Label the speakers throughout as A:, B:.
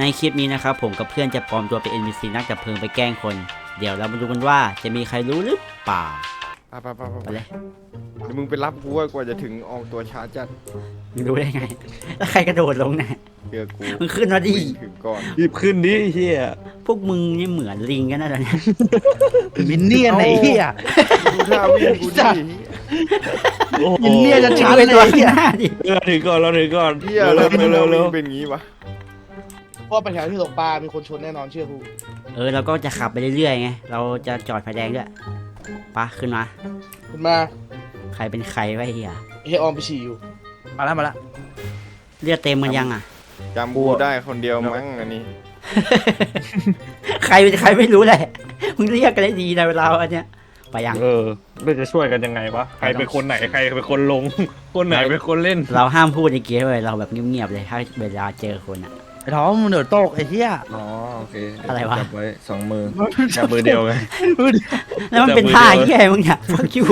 A: ในคลิปนี้นะครับผมกับเพื่อนจะปลอมตัวเป็น NPC นักดับเพลิงไปแกล้งคน เดี๋ยวเรามาดูกันว่าจะมีใครรู้หรือเปล่าไปเลย
B: เดี๋ยวมึงไปรับกูกว่าจะถึงออกตัวช้าจัด
A: มึงรู้ได้ไงแล้วใครกระโดดลงเนี่ย
B: เชื่อกู
A: มึงขึ้นมาดิ
B: วิ่งถึงก่อน
C: รีบขึ้นดิเฮีย
A: พวกมึงนี่เหมือนลิงกันนะตอนนี้
D: มินเนี่ยนไหนเฮีย
B: ดูท่าวิ่งกูดิ
D: มินเนี่ยนจะช้า
A: ไป
D: เลย
A: ตัว
D: เฮี
A: ข้าง
D: ย
A: หน้าดิ
C: เราถึงก่อนเราถึงก่อน
B: เฮียแล้ว
C: เร็ว
B: เร็
C: เร็
B: ว
C: ว
B: เป็นงี้วะ
D: เพราะว่าไปแถวที่ตกปลา มีคนชนแน่นอนเชื่อกู
A: เราก็จะขับไปเรื่อยๆไงเราจะจอดไฟแดงด้วยปะขึ้นมา
D: ขึ้นมา
A: ใครเป็นใครวะเฮีย
D: เฮยออมไปฉี่อยู่
E: มาแล้ว
A: เลือดเต็มมันยังอ่ะ
B: จำกูได้คนเดียวมั้งอันนี้
A: ใครเป็นใครไม่รู้เลยมึงเรียกกันได้ดีนะเวลาอันเนี้ยไปยัง
C: เราจะช่วยกันยังไงวะใครเป็นคนไหนใครเป็นคนลง คนไหนเป็นคนเล่น
A: เราห้ามพูดในเกมเลยเราแบบเงียบๆเลยถ้าเวลาเจอคนอ่ะ
E: ไอ้ท้องมึงเดือดโตกไอ้เหี้ย
C: อ๋อโอเค
A: อะไรวะ
C: จับไว้สองมือจับมือเดียวไง
A: แล้วมันเป็นท่าแย่มึงเนี่ยฟักคิว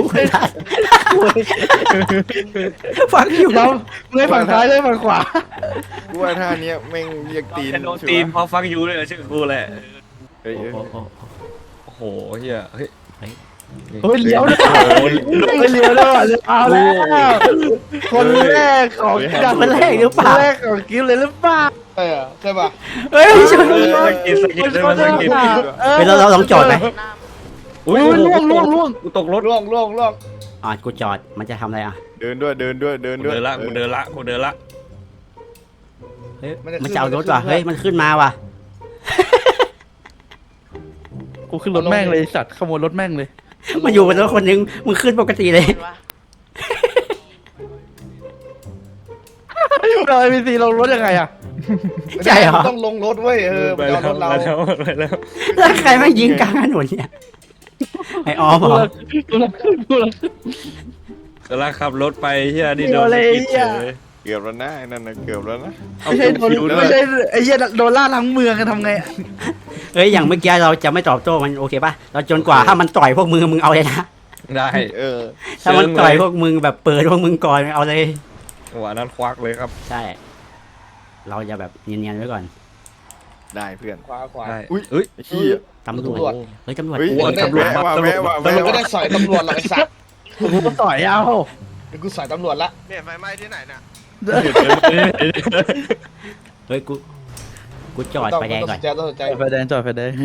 A: ฟักคิว
D: เรามึงให้ฝั่งซ้ายด้วยฝั่งขวา
B: กูว่าท่าเนี้ยแม่งเรียกตีน
C: โดนตีนเพราะฟักยูเลยชื่อกูแหละ
B: เฮ้ย
C: โอ้โหเฮียเฮ้ย
D: เฮ้ยเลี้ยวด้วยไม่เลี้ยวด้วยเอาแล้วคนแรกของ
A: คนแรกหรือเปล่า
D: คนแรกของกิ๊ฟเลยหรือเปล่าใช่ป่ะ
A: เฮ้ยชน
C: สกิดสกิดได้ไหมสกิด
A: เราลองจอดไหม
C: อุ้ย
D: ล่วง
C: กูตกรถ
D: ล่วง
A: กูจอดมันจะทำอะไรอ่ะ
B: เดินด้วย
C: กูเดินละ
A: เฮ้ยมันจะเอารถว่ะเฮ้ยมันขึ้นมาว่ะ
E: กูขึ้นรถแม่งเลยสัตว์ขโมยรถแม่งเลย
A: มาอยู่บนรถคนนึงมึงขึ้นปกติเลย
E: เราไอพีซีลงรถยังไงอะ
A: ใช่เหรอ
D: ต้องลงรถเว้ย
C: ไป
D: มัน
C: แล้
D: เอารถเรา
C: ไปแล้ว
A: แล้วใครมายิงกลางถนนเนี่ยไอออมเหรอ
E: กูรัก
C: กำลังขับรถไปเฮียนี่โดนสกิดเฉย
B: เกือบแล้วนะไอ้นั่นนะเกือบแล้วนะ
C: เอา
E: ไม่ใช่โดน
C: คิวด้ว
E: ไม่
C: ย
E: ใช่ไอ้เหี้ยโดนล่าทั้งเมืองกันทำไง
A: เฮ้ยอย่างเมื่อกี้เราจะไม่ตอบโต้มันโอเคป่ะเราจนกว่าถ้ามันต่อยพวกมึงเอาเลยนะ
C: ได้
A: ถ้ามันต่อยพวกมึงแบบเปิดพวกมึงก่อนเอาเลย
C: หัวนั้นควักเลยครับ
A: ใช่ เราจะแบบเนียนๆไว้ก่อน
B: ได้เพื่อน
D: ขวา
C: ได้
B: อุ้ย
C: เฮ้ย
B: ไอ้เหี้ย
A: ตำรวจเฮ้ยตำรวจ
B: เฮ้ย
C: โอ้ย
B: ตำรวจว่าแม่ว่า
D: แต่
B: แม่
D: มึงไม่ได้
B: ว่า
D: สอยตำรวจหรอกไอ้สัตว์
E: กูก็ต่อยเอา
D: เดี๋ยวกูสอยตำรวจละ
F: เนี่ยไฟไหม้ที่ไหนน่ะ
A: เฮ้ยกูจอดไฟแดงก่อน
D: ต้องสนใจ
E: ไฟแดงจอดไฟแดง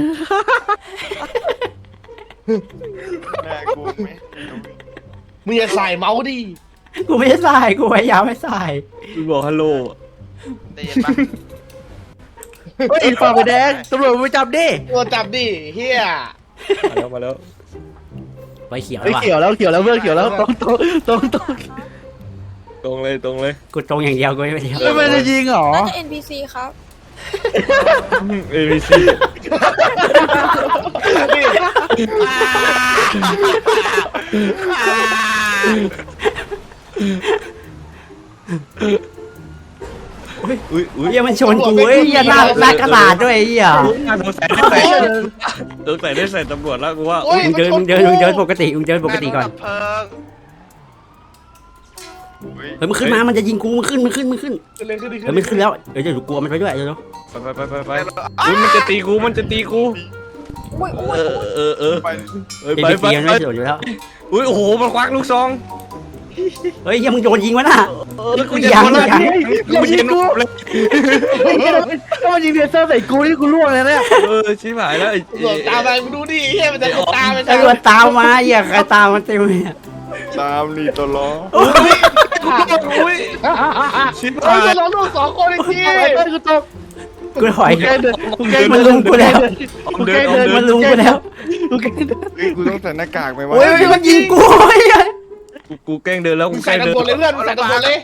B: แม่กูไหม
D: มึงอย่าใส่เมาส์ดิ
A: กูไม่ได้ใส่กูพยายามไม่ใส่
C: กูบอกฮัลโหล
F: ได้ยินปะ
E: เฮ้ยฝ่าไฟแดงตำรวจไปจับดิ
D: ตัวจับดิเฮีย
C: มาแล้ว
A: ไฟเขียว
E: เฮ้
A: แล้
E: ยว
A: ว่ะ
E: เขียวแล้วเพื่อนเขียวแล้วตรง
C: ตรงเลย
A: กูตรงอย่างเดียวกูไม่เดียว
E: ไม่ได้ยิงหรอ
G: น่าจะ NPC ครับ
C: ABC อุ้ย
A: เฮียมันชนกูเฮ้ยเฮียหน้ากระดาษด้วยเฮีย
C: สงสัยได้ใส่ตำรวจแล้วกูว่า
A: มึงเดินปกติมึงเดินปกติก่อน
F: ดับเพลิง
A: เฮ้ยมันขึ้นมามันจะยิงกูมันขึ้น
D: ขึ้นเลยขึ้นดิ
A: เฮ้ยมันขึ้นแล้วเดี๋ยวกลัวมันไปด้วยเดี๋ยว
C: ไปอุ้ยมันจะตีกู
G: อุ้ยอุ้ย
B: ไป
A: ไปตีมันไม่สนอยู่แล้ว
C: อุ้ยโอ้โหมันควักลูกซอง
A: เฮ้ยยังมึงโดนยิงวะน่ะ
C: กูจะโดนเลยกูยิงกูเลย
E: ถ้ามันยิงเลเซอร์ใส่กูนี่กูล่วงเลยเนี่ย
C: ชิบหายแล้ว
D: ตำรวจตามไปมึงดูดิเฮียมันจะตามไป
A: ตำรวจตามมาเฮียใครตามมันเต็มเลย
B: ตามนี่ตัวล้อ
C: อุ้ยชิบ
D: เฮ้
C: หาย ย
D: เราลูกสองคนจริง
E: ไอ้กูตก
A: กูถอย
E: กูแกล้งเดินกูแกล้ง
A: มันลุมกูแล้ว
E: กูแกล้งเดิน
A: มันลุมกูแล้ว
E: กูแกล้งเดิน
B: เฮ้ยกูต้องใส่หน้ากากไหมวะ
A: โอ้ยมันยิงกูเฮ้ย
C: กูแกล้งเดินแล้ว
D: มึ
C: กู
D: ง
C: แกล้
D: ใส่
C: งเดิน
D: ตำรวจเลยเพื่อนมึงใส่ตำรวจเลย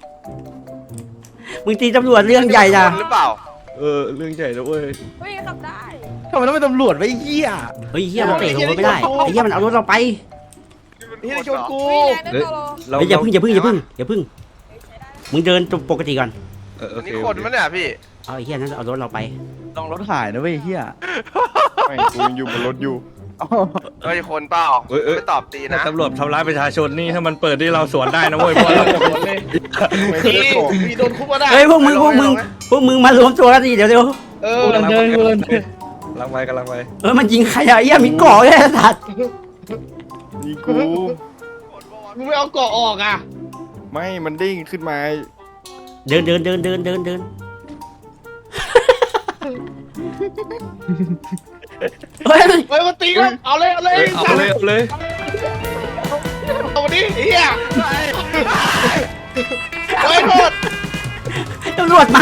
A: มึงตีตำรวจเรื่องใหญ่จ้ะ
F: หรือเปล่า
C: เรื่องใหญ่แล้วเว้ย
G: เฮ้ยขับได้
E: ทำไมต้องเป็นตำรวจไว้เหี้ย
A: เฮ้ยเฮียมันเตะลงรถไม่ได้ไอ้เฮียมันเอารถเราไป
D: เฮียชนกู
G: เฮ้ยแรงนะตลอ
A: เฮ้ยอย่าพึ่งมึงเดินปกติก่อน
C: โอเค
F: นี่คนมั้ยเนี่ยพี่
A: เอาไอ้เฮียนั้นเอารถเราไป
E: ต้องรถหายนะเว้ยเหี้ย
B: ไม่กูยังอยู่บนรถอยู่
F: เฮ้ยคนเปล่าไม่ตอบตี
C: ถ้า
F: นะ
C: ตำรวจทำร้ายประชาชนนี่ถ้ามันเปิดที่เราสวนได้นะเว้ยเพราะเรา
D: เลย
B: ไม่ใช่โกง
D: มีโดนคุกมาได้
A: เฮ้ยพวกมึงมารวมตัวกันดิเดี๋ยว
E: กูกำลังเดินกูกำลังเดิน
C: กำลังไป
A: มันยิงใครอะไอ้เหี้ยมีเกาะเลยไอ้สัตว์
B: นี่กู
D: มึงไม่เอาเกาะออกอ่ะ
B: ไม่มันเด้งขึ้นมา
A: เดินเฮ้ย
D: เฮ้ยมาตีกันเอาเลย
C: เอาเลย
D: เอามาดิเฮียเฮ้ยโทษ
A: ตำรวจมา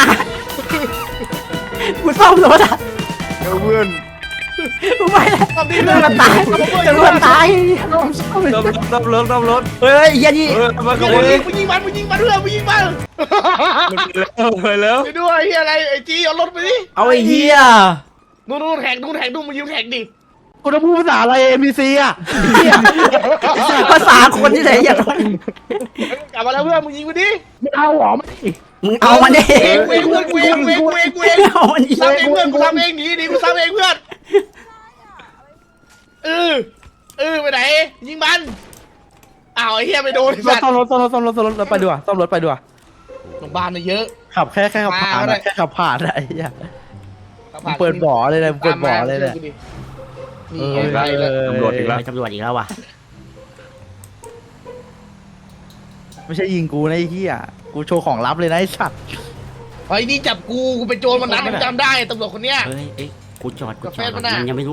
A: กูซ่อมรถอะ
B: เพื่อน
A: กูไปแล้ว
D: ทำดี
A: ตำรวจตายตำรวจตาย
C: ดับรถ
A: เฮ้ยเหี้ยนี่
C: มาข
D: มึ
C: โมย
D: งยิงมันเพื่อนมึงยิงมัน
C: ไปแล้ว
D: ไปด้วยเฮียอะไรไอ้จีเอารถไปดิ
A: เอาไอ้เหี้ย
D: นู่นแท็กนู่นมึงยืมแท็กดิ
E: กูจะพูดภาษาอะไร NPC อ่ะ
A: ภาษาคนที่ไหนอย่า
D: กลับมาแล้วเพื่อนมึงยิงไปดิ
E: ไม่เอาหรอไม่
A: มึงเอามันดิ
D: กูเอง
A: เอามันดิ
D: ซ้ำเองเพื่อนกูซ้ำเองหนีกูซ้ำเองเพื่อนไปไหนยิงมันอ้าวไอ้เฮียไปโดน
E: ซ่อมรถไปดีกว่าซ่อมรถไปดีกว่า
D: โรงพยาบาลน่ะเยอะ
E: ขับแค่ขับผ่านแค่ขับผ่านไอ้เหี้ยมึงเปิดบ่อเลยนะมึงเปิดบ่อเลยเนี่ย
D: นี่ไงไปแล้ว
C: ตำรวจอีกแล้ว
A: ตำรวจอีกแล้วว่ะ
E: ไม่ใช่ยิงกูนะไอ้เหี้ยกูโชว์ของลับเลยนะไอ้สัตว์
D: ไอ้นี่จับกูเป็นโจรมันนั้นจำได้ตำรวจคนเนี้ย
A: เฮ้ยกูจอด
D: กาแฟมันน่ะ
A: มันยังไม่รู้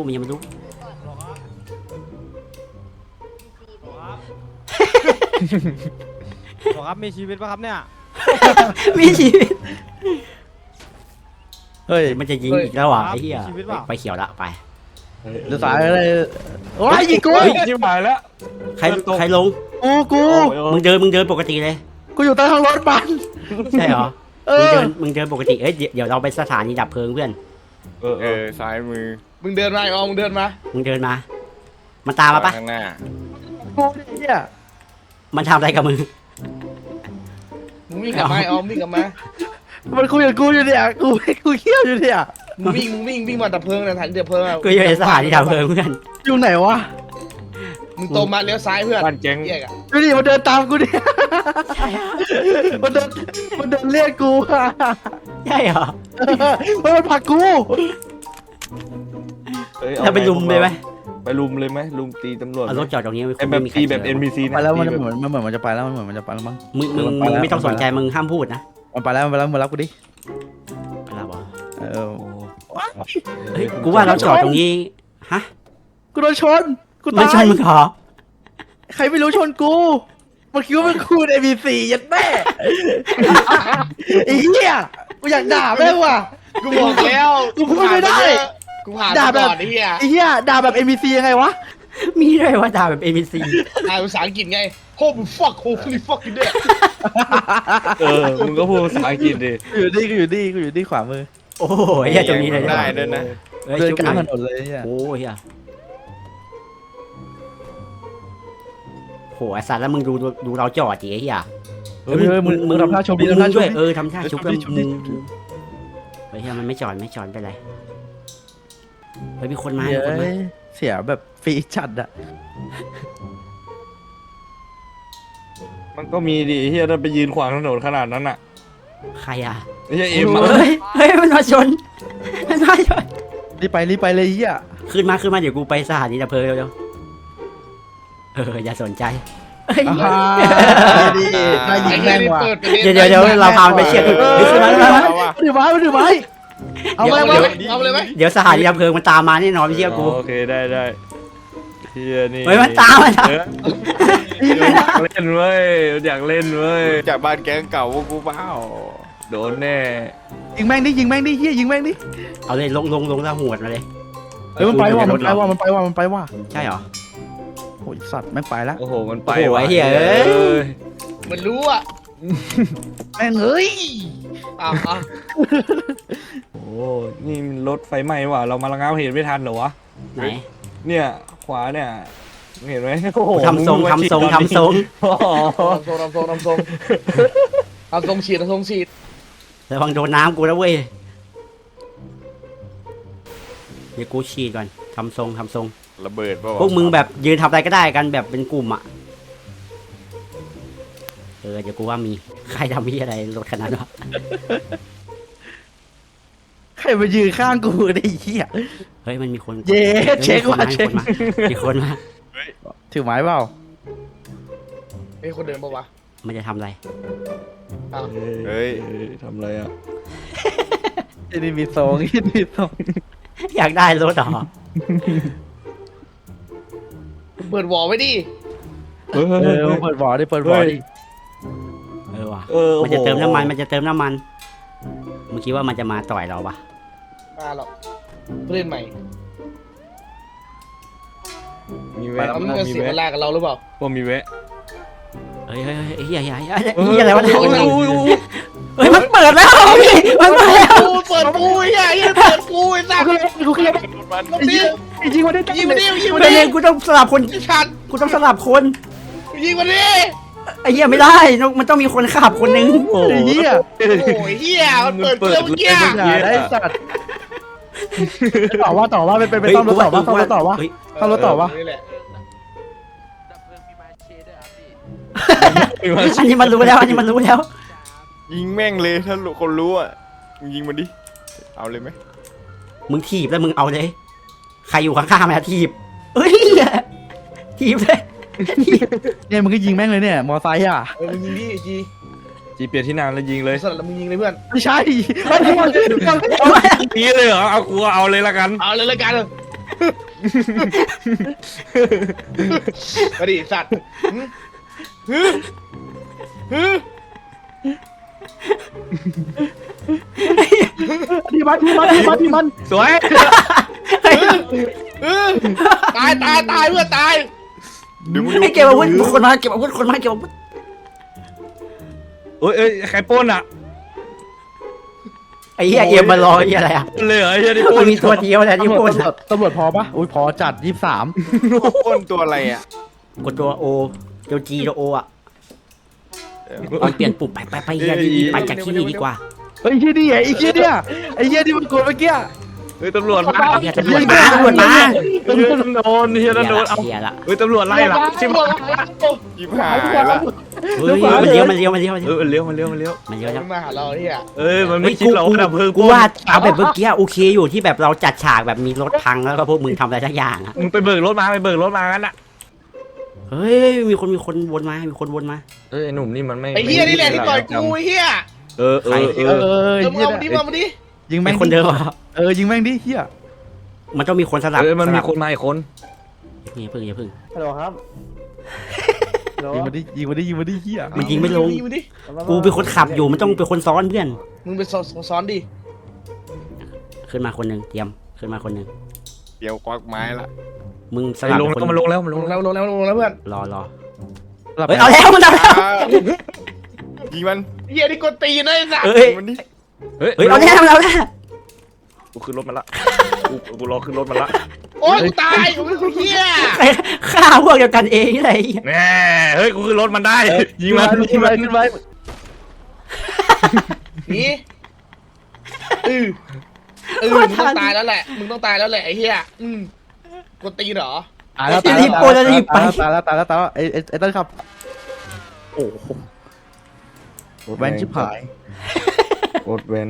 H: ครับมีชีวิตป่ะครับเนี่ย
A: มีชีวิต
E: เฮ้ย
A: มันจะยิงอีกแล้วว่ะไอ้เหี้ย
H: มีชีวิตเปล่า
A: ไปเขียวละไป
E: เดี๋ยวสายอะไรโอ้ยยิงกู
C: ชิบหายแล้ว
A: ใครลง
E: กู
A: มึงเดินปกติเลย
E: กูอยู่ใต้ท้องรถบัน
A: ใช่เหรอ
E: เอ
A: มึง
E: อ
A: เดินปกติเอ้ยเดี๋ยวเราไปสถานีดับเพลิงเพื่อน
B: ซ้ายมือ
D: มึงเดินมาอ๋อมึงเดินมา
A: มึงเดินมา มันตามมาปะ
B: ข้างหน้า
E: กูเนี่ย
A: มันทำอะไรกับมึง
D: มึงวิ่งกลับมาอ๋อวิ่งกลับมา
E: มันคุยกับกูอยู่เนี่ยกูเขี้ยวอยู่เนี่ย
D: มึงวิ่งมาดับเพลิงนะถังดับเพลิง
A: กูอยู่ในสถานีดับเพลิงเพื่อน
E: อยู่ไหนวะ
D: มึงตรงมาเลี้ยวซ้ายเพื่อน
C: บ้านเจ๊ง
D: แยกอ่ะ
E: ดูดิมันเดินตามกูเนี่ยมันเดินเรียกกูอะ
A: ใช่เหรอ
E: มันผลักกู
A: เราไปลุมเลยไหม
C: ไปลุมเลยไหมลุมตีตำรวจ
A: เอารถจอดตรงนี้
C: ไอ้แบบตีแบบ NPC นะ
E: ไปแล้วมันเหมือนมันจะไปแล้วมันจะไปแล้วมั้ง
A: มึงไม่ต้องสนใจมึงห้ามพูดนะ
E: มันไปแล้วมารับกูดิ
A: ไปแล้วบอ
E: เออ
A: กูว่าเราจอดตรงนี้ฮะ
E: กูโดนชนกู
A: ไม่
E: ตา
A: ใช่
E: ย
A: มึงเหรอ
E: ใครไม่รู้ชนกูมันคิดว่าเป็นคูณ ABC ยัดแม่ไอ้เหี้ยกูอยากด่าแม่งว่ะ
D: กูบอกแล้ว
E: กูพูดไม่ได้
D: กูผ่าน
E: ด่าแบบ
D: ไอ้เหี้ย
E: ไอ้เหี้ยด่าแบบ ABC ยังไงวะ
A: มีด้วยว่าด่าแบบ ABC
D: อ่านภาษาอังกฤษไง holy fuck holy fuck อยู่เนี่ย
C: มึงก็พูดภาษาอังกฤษดิ
E: กูอยู่นี่ขวามือ
A: โอ้โหเฮียตรงนี้เลย
B: ได้ด้วยนะ
A: เฮ้ย
E: เดิน
A: ชุบ
E: ก
A: ห
E: ลาง
A: น่
E: ถ
A: อย
E: นนเลยเนี่ย
A: โอ้เฮียโหไอสัตว์แล้วมึงดูเราจอดจีไอ้เฮีย
E: เฮ้ยมึงทำท่าชมดี
A: มึ
E: ทำท่าง ช
A: ด้ว
E: ม
A: ย
E: ดี
A: ทำท่าชุบ
E: ชมดิชมดิ
A: เฮ้ยเฮียมันไม่จอดไปเลยเฮ้ยมีคนมา
E: เฮ้
A: มีคนมาย
E: เสียแบบฟรีจัดอะ
C: มันก็มีดิเฮียถ้าไปยืนขวางถนนขนาดนั้นอ่ะ
A: ใครอ่ะ
C: ไม่ใช่เอ็ม
A: เฮ้ยมันมาชนมันมาชน
E: รีบไปเลยเหี้ย
A: ขึ้นมาเดี๋ยวกูไปสถานีดับเพลิงเร็วๆอย่าสนใจเฮ้ย
E: ดีน่ายิงแม่งว่ะ
A: เดี๋ยวเราพามันไปเชียร์ขึ้นขึ้นมา
E: ถือไม้เอาไป
D: เอาเลยไหม
A: เดี๋ยวสถานีดับเพลิงมันตามมาแน่นอนไม่เชื่อกู
C: โอเคได้เฮียนี่
A: เฮ้ยมันตามมา
C: อยากเล่นเว้ยอยากเล่นเว้ย
B: จากบ้านแก๊งเก่าพวกกูเปล่า
C: โดนแน่
E: ยิงแม่งดิเฮียยิงแม่งดิ
A: เอาเลยลงแล้วหัวดมาเลย
E: มันไปว่ะ
A: ใช่เหรอ
E: โอ้ยสัตว์แม่งไปแล้ว
C: โอ้โหมันไป
A: โอ้โห
C: ว่ะ
A: ไอ้เหี้ยเอ้ย
D: มันรู้อ่ะ
E: แม่งเอ้ย
D: อ้าว
C: โอ้นี่มันรถไฟไหม้ว่ะเรามาระงับเหตุไม่ทันเหรอวะ
A: ไหน
C: เนี่ยขวาเนี่ยเห็นไหมโอ้โห
A: ทำทรง
C: โอ้โห
D: ทำทรงฉีด
A: ระวังโดนน้ำกูนะเว้ยเดี๋ยวกูฉีดก่อนทำทรง
B: ระเบิดเปล่าวะ
A: พวกมึงแบบยืนทำอะไรก็ได้กันแบบเป็นกลุ่มอ่ะเดี๋ยวกูว่ามีใครทำพี่อะไรรถขนาดนั้นวะ
E: ใครมายืนข้างกูไอ้เหี้ย
A: เฮ้ยมันมีคน
E: เย้เช็คว่ะ
A: มี
E: เช็ค
A: คนมามีคนมา
E: ถือไม้เปล่า
F: เฮ้ยคนเดินปะวะ
A: มันจะทำอะไร
B: เฮ้ย
C: ทำอะไรอ่ะ
E: ที่นี่มีทรงที่นี่มีทรง
A: อยากได้รถเหรอ
F: เปิดวอลไว้ดิ
E: เปิดบอร์ดดิเปิดบอร์ดดิ
A: เออว่ะ
C: เออ
A: มันจะเติมน้ำมันมันจะเติมน้ำมันมึงคิดว่ามันจะมาต่อยเราปะ
F: มาหรอกเล่นใหม่
C: มี
F: แล้
C: แวะ
F: วมันจะเสียเวลากับเราหรือเปล่า
C: พอมีแวะ
A: เฮ้ยเฮ้ยเฮ้ยเฮียเฮียเฮียเฮียอะไรวะเนี่ย
F: โอ้ย
A: เฮ้ยมันเปิดแล้วพี่มันเปิดแล้ว
F: เปิดกูไอ้เหี้ยเปิดกูไอ้สัส
E: กูเคลียร์
F: ยิง
E: ยิงมาได้
F: ยิงมาดิยิงมา
A: เป็น
F: ดิ
A: เองกูต้องสลับคน
F: ชัด
A: กูต้องสลับคน
F: ยิงมาดิ
A: ไอ้เหี้ยไม่ได้มันต้องมีคนขับคนนึง
E: ไอ้เหี้ย
F: โอ้ยเหี้ยมันเปิดเครื่องเมื่อกี้
E: อย่าได้สัตว์ต่อว่าเป็นซ่อมรถต่อว่าซ่อมรถต่อว่า
A: เฮ้ย
E: ซ่อมรถต่อว่า
F: นี่แหละ
A: อันนี้มันรู้แล้วอันนี้มันรู้แล้ว
B: ยิงแม่งเลยถ้าคนรู้อ่ะมึงยิงมันดิเอาเลยไหม
A: มึงถีบแล้วมึงเอาเลยใครอยู่ข้างๆมันถีบเฮ้ยถีบเลย
E: เนี่ยมึงก็ยิงแม่งเลยเนี่ยมอไซค์อ่ะ
F: มึงยิงดิจี
C: จีเปลี่ยนที่นานแล้วยิงเลย
F: สลับแล้วมึงยิงเลยเพื่อน
E: ไม่ใช่
C: นี้เลยเหรอเอากูเอาเลยละกัน
F: เอาเลยละกันมาดิสัตว์
E: ที่มัน
C: สวย
F: ตายเพื่อนตาย
B: เดี๋ยวมึงดู
A: ไอ้เก็บอาวุธคนมาเก็บอาวุธคนมาเก็บอาวุธ
C: เอ้ยใครปล้นอ่ะ
A: ไอ้เหี้ยเอ็มมารอไอ้เหี้ยอะไรอ่ะ
C: เลยเหรอไอ้เหี้ยที่ปล้
A: มัน นมีตัวเดียวแหละที่พูด
E: ตำรวจพอปะอุ้ยพอจัด23
B: ปล้นตัวอะไรอ่ะ
A: กดตัวโอตัวจีตัวโออ่ะมันเปลี่ยนปุ่มไปเหี้ยดีไปจากที่นี่ดีกว่า
E: เฮ้ยที่นี่ไอ้เหี้ยเนี่ยไอ้เหี้ยที่มันกดเมื่อกี้
C: เฮ้ยตำรวจมา
A: เหี้ยตำรวจมาตำรวจมา
C: โดนเฮียโดนเอา
A: เหี้ยละ
C: เฮ้ยตำรวจไล่ละชิบหาย
B: ยิบหายละ
A: เฮ้ยมันเลี้ยวมันเลี้ยวมันเลี้ยว
C: เออมันเลี้ยว
A: มันเลี้ยวแล้ว
F: มันมาหาเราเฮีย
C: เอ้ยมันไม่คิดหรอกว่าดับเพลิง
A: กูว่าเอาแบบเมื่อกี้โอเคอยู่ที่แบบเราจัดฉากแบบมีรถพังแล้วก็พวกมึงทำอะไรสักอย่างอ่ะ
C: มึงไปเบิกรถมางั้นอ่ะ
A: เฮ้ยมีคนวนมามีคนวนมา
C: เอ้ยไอ้หนุ่มนี่มันไม่
F: ไอ้เฮียนี่แหละที่ต่อยกูไอ้เฮีย
C: เออ
F: เอามาดิมาดิ
E: ยิง
A: เป็
E: แม่
A: น
E: ง
A: คนเดิมเหรอ
E: ยิงแม่งดิเหี้ย
A: มันต้องมีคนสลับ
C: เออมันมีคนมาอีกคน
A: นี่พึ่งอย่าพึ่ง
D: ฮัลโหลครับ
E: ยิงมาดิเหี้ย
A: มันยิงไม่ลง
F: มาดิ
A: กูเป็นคนขับอยู่มันต้องเป็นคนซ้อนเพื่อน
F: มึงไปซ้อนดิ
A: ขึ้นมาคนหนึ่งเตรียมขึ้นมาคนหนึ่ง
B: เดี๋ยวควักไม้ละ
A: มึงสลับ
C: ลง
A: คน
C: มันลงแล้ว
F: ลงแล้วเพื่อน
A: รอเฮ้ยเอาแล้วมันเอาแล้ว
B: ยิงมัน
F: เฮียนี่กดตีนะไอ้สัส
A: เฮ้ย
B: ยิงมันดิ
C: เฮ้ย
A: เฮ้ยเอาแล้วมันเอาแล้ว
C: กูขึ้นรถมาละกูรอขึ้นรถมาละ
F: โอ้ยกูตายกูเป็นเฮีย
A: ฆ่าพวกเดียวกันเองอะไร
C: แน่เฮ้ยกูขึ้นรถมันได้ยิงมัน
E: ขึ้นไป
F: นี่มึงต้องตายแล้วแหละไอ้เฮียกดตีเหรอ
E: ตายแล้วไอ้ต้นครับโอ้โหแวนชิบหาย
C: รถเว้น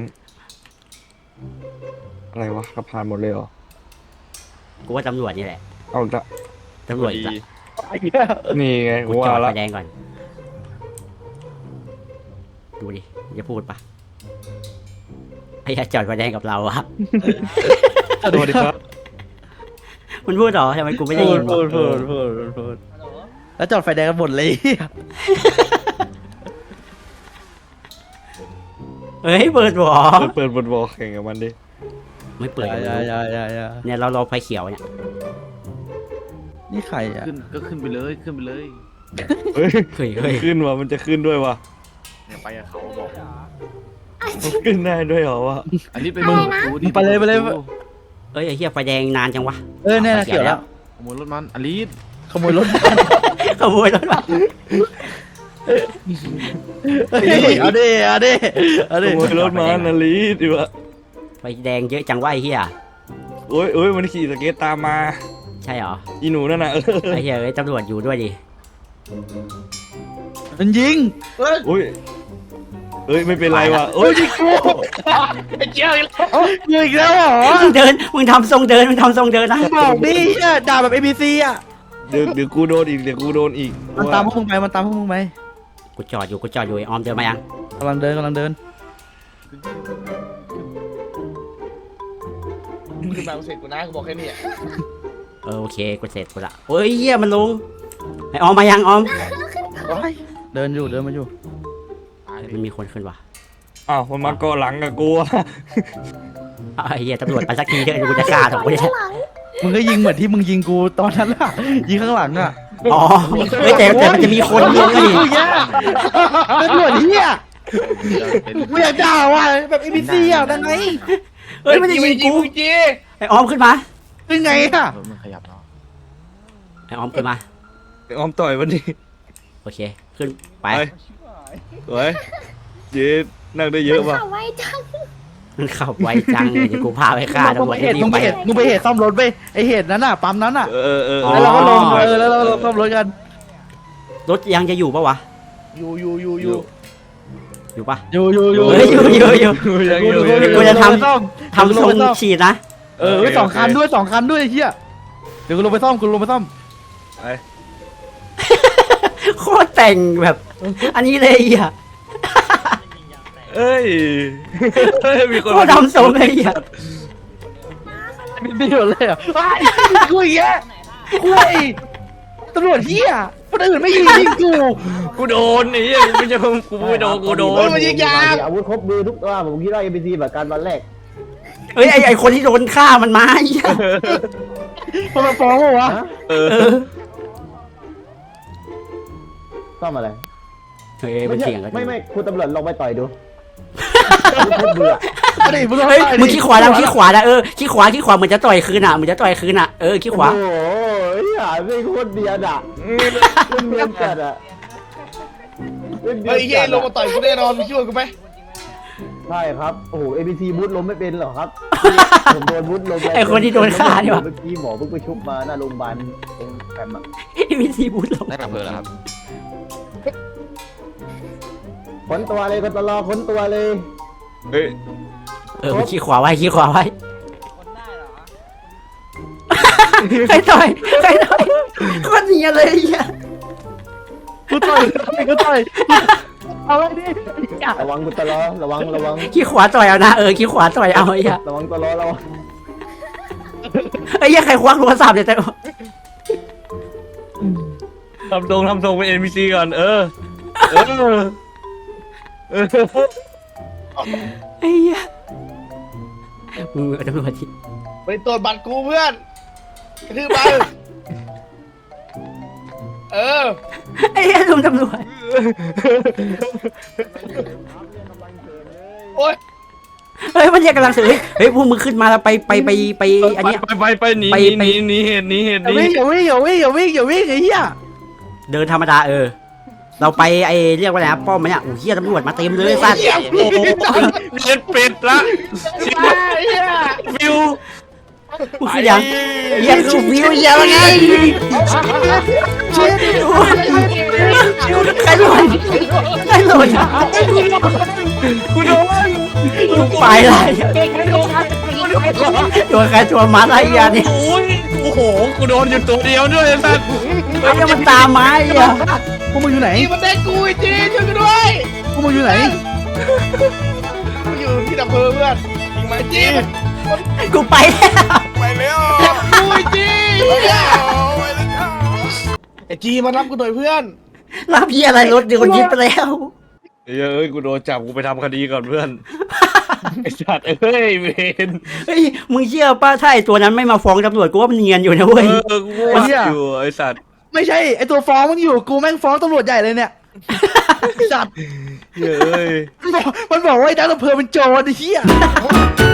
C: อะไรวะขับผ่านหมดเลยเหรอ
A: กูว่าตำรวจนี่แหละ
C: เอาอีกละ
A: ตำรวจอีกละ
C: นี่ไง
A: กู
C: กู
A: จอ
C: ว่า
A: ด
C: ละ
A: ไฟแดงก่อนดูดิอย่าพูดปะไอ้ยาจอดไฟแดงกับเราอะ
C: สวัสดีครับ
A: มันพูดเหรอทำไมกูไม่ได้ยินวะ
E: พูดแล้วจอดไฟแดงกันหมดเลย
A: เฮ้ยเปิดบ่อ
C: เปิดบทบอกแข่งกับมันดิ
A: ไม่เปิด
E: อย่า
A: เนี่ยเรารอไฟเขียวเนี่ย
E: นี่ใครอ่ะ
C: เฮ้ย
A: เฮ้ย
C: ขึ้นว่ะมันจะขึ้นด้วยว่ะ
B: เนี่ยไปกับเขาบอก
C: ขึ้นได้ด้วยเหรอวะ
D: อันนี้เป็น
E: มึงไปเลย
A: เอ้ยไอ้เหี้ยไฟแดงนานจังวะ
E: เนี่ยเกี่ยวแล้ว
D: ขโมยรถมันอลิส
E: ขโมยรถ
A: ขโมยรถมา
E: เอาดิ
C: ขโมยรถมานาลีดิวะ
A: ไฟแดงเยอะจังวะไอ้เหี้ย
C: โอ้ยมันขี่สเก็ตตามมา
A: ใช่เหรอ
C: อีหนูนั่นน่ะ
A: ไอ้เหี้ยเอ้ยตำรวจอยู่ด้วยดิ
E: มันยิง
C: อุ้ยเอ้ยไม่เป็นไรว่ะ
E: โอ้
C: เอ้
E: ย
C: ย
E: ยิงกู
F: ไอ้เจ้าอีกแล้ว
E: ยิงอีกแล้วเหรอ
A: มึงเดินมึงทำทรงเดินมึงทำทรงเดินนะ
E: บอกดิเหี้ยด่าแบบ ABC อ่ะ
C: เดี๋ยวกูโดนอีกเดี๋ยวกูโดนอีก
E: มันตามพวกมึงไปมันตามพวกมึงไป
A: กูจอดอยู่ไอ้ออมเดินมายัง
E: กำลังเดิน
F: มึงขึ้นมาเสร็จกูนะกูบอกแค่นี้อะ
A: โอเคกูเสร็จกูละโอ้ยเหี้ยมันลงไอ้ออมมายังออม
E: เดินมาอยู่
A: มันมีคนขึ้นว่ะ
C: อ้าวมันมาเกาะหลังกับกูอะ
A: ไอ้เหี้ยตำรวจไปสักทีเถอะกูจะฆ่าถูกกูเนี่ย
E: มึงก็ยิงเหมือนที่มึงยิงกูตอนนั้นล่ะยิงข้างหลังอ่ะ
A: อ๋อเฮ้ยแต่มันจะมีคนเดียวนี่
E: ตำรวจเฮียกูอยากด่าว่ะแบบ ABC อ่ะได้ไง
A: เฮ้ยมันจะยิงกู
F: จี
A: ไอ้ออมขึ้นมา
E: ได้ไงอ่ะ
A: ไอ้ออมขึ้นมา
C: ออมต่อยวันนี้
A: โอเคขึ้นไป
C: ไปสวยเจ๊นั่งได้เยอะป่ะ
G: ไว้จัง
A: มันขับไวจังเลยเดี๋ยวกูพาไปฆ่าตำรวจที่นี่
E: มึง
A: ไป
E: ไปเหตุซ่อมรถไปไอเหตุนั้นอ่ะปั๊มนั้นอ่ะ
C: เออ
E: แล้วเราก็ลงแล้วเราซ่อมรถกัน
A: รถยังจะอยู่ปะวะ
F: อยู่
A: อยู่ปะ
E: อยู่
A: เฮ้ยอยู่
C: ยังอยู่
A: กูจะทำทรงฉีดนะ
E: สองคันด้วยเฮียเดี๋ยวกูลงไปซ่อม
C: ไป
A: โคตรแต่งแบบ อันนี้เลยอ่ะ
C: เอ้ยมีคน
A: โคตรทำทรงเลยอ่ะ
E: ไม่หยุดเลยอ่ะกูอีกแล้วกูตำรวจเฮียคนอื่นไม่ยิงกู
C: กูโดนไอ้เหี้ยไม่ใช่กูไม่โดนกูโดน
F: มันยิงยาง
D: อาวุธครบมือทุกตัวผมคิดว่า ABC แบบการวันแรก
A: เฮ้ยไอคนที่โดนฆ่ามันมาไอ้เหี้ย
E: มันมาฟ้องวะ
C: เออ
A: เออ
D: ซ่อมอะไร
A: เฮ้ยมันเถียงกัน
D: ไม่คุณตำรวจลองไปต่อยดูอาวุธครบมืออะ
E: อะไรมึง
A: เฮ้ยมึงขี้ขวาขี้ขวาขี้ขวาเหมือนจะต่อยคืนอ่ะขี้ขวา
D: โอ้โหหาไม่โคตรเดียดอ่ะเนียนจัดอ่ะ
F: เฮ้ยเฮ้ยลงมาต่อยกูแน่นอนมึงช่วยกูไหม
D: ใช่ครับโอ้โห ABC บูทล้มไม่เป็นหรอครับผมโดนบูทล้ม
A: ไอคนที่โดนฆ่านี่วะ
D: เมื่อกี้หมอเพิ่งไปชุบมาหน้าโรงพยาบาลตรงแฟมอะ
A: มีซีบูทลง
I: ได้ดับเพลิงแล้วครับ
D: ค้นตัวเลยคนตลอค้นตัวเลย
C: เฮ้ย
A: มันขี้ขวาไว้ใครต่อยโคตรเนียนเลยไอ้เหี้ย
E: กูต่อยเอาไว้ดิ
D: ระวังคุณตลอระวัง
A: ขี้ขวาต่อยเอานะขี้ขวาต่อยเอาไอ้เหี้ย
D: ระวังตลอระวัง
A: ไอ้เหี้ยใครควักโทรศัพท์เนี่ยแต่
C: ทำทรงเป็น NPC ก่อนเออ
A: ไอ้เหี้ยมึงตำรวจที่
F: ไปตรวจบัตรกูเพื่อนกระทืบไปเออ
A: ไอ้เหี้ยลุงตำรวจ
F: โอ๊ย
A: เฮ้ยมันเรียกกำลังสื่อเฮ้ยพวกมึงขึ้นมาแล้วไปอันเนี้ย
C: ไปหนีเหตุนี้
E: อย่าวิ่งไอ้เหี้ย
A: เดินธรรมดาเราไปไอ้เรียกว่าอะไรนะป้อมมันเนี่ยโอ้เหี้ยตำรวจมาเต็มเลยสัตว์
C: โอ้โหเด็ดเป็ดละวิว
A: กูคือยังเหี้ยคือวิวเหี้ยว่าไงใครหล่น
C: กูโดน
A: กูไปเลยตัวใครตัวมันไอ้เหี้ยเนี่ย
C: โอ้โหกูโดนอยู่ตัวเดียวด้วยไอ้สัส
A: ไอ้เหี้ยมันตามมาไอ้เหี้ย
E: พวกมึงอยู่ไหน
F: จีมันเด็กกูไอ้จีช่วยกูด้วย
E: พวกมึงอยู่ไหน
F: กูอยู่ที่ดับเพลิงเพื่อนยิงมาจี
A: กูไปแล้ว
B: ไปแล้ว
F: กูไอ้จีไอ้จีมารับกูหน่อยเพื่อน
A: รับเหี้ยอะไรรถเดี๋ยวคนยึดไปแล้ว
C: เอ้ยกูโดนจับกูไปทำคดีก่อนเพื่อนไอ้สัตว์เอ้ยเวน
A: เฮ้ยมึงเชื่อป้าถ้าไอ้ตัวนั้นไม่มาฟ้องตำรวจกูว่ามันเนียนอยู่นะเว้ย
C: กูว่าอยู่ไอ้สัตว์
E: ไม่ใช่ไอตัวฟ้องมึงอยู่กูแม่งฟ้องตำรวจใหญ่เลยเนี่ยจัด
C: เฮ้ย
E: มันบอกว่าไอ้ดับเพลิงเป็นโจรไอ้เหี้ย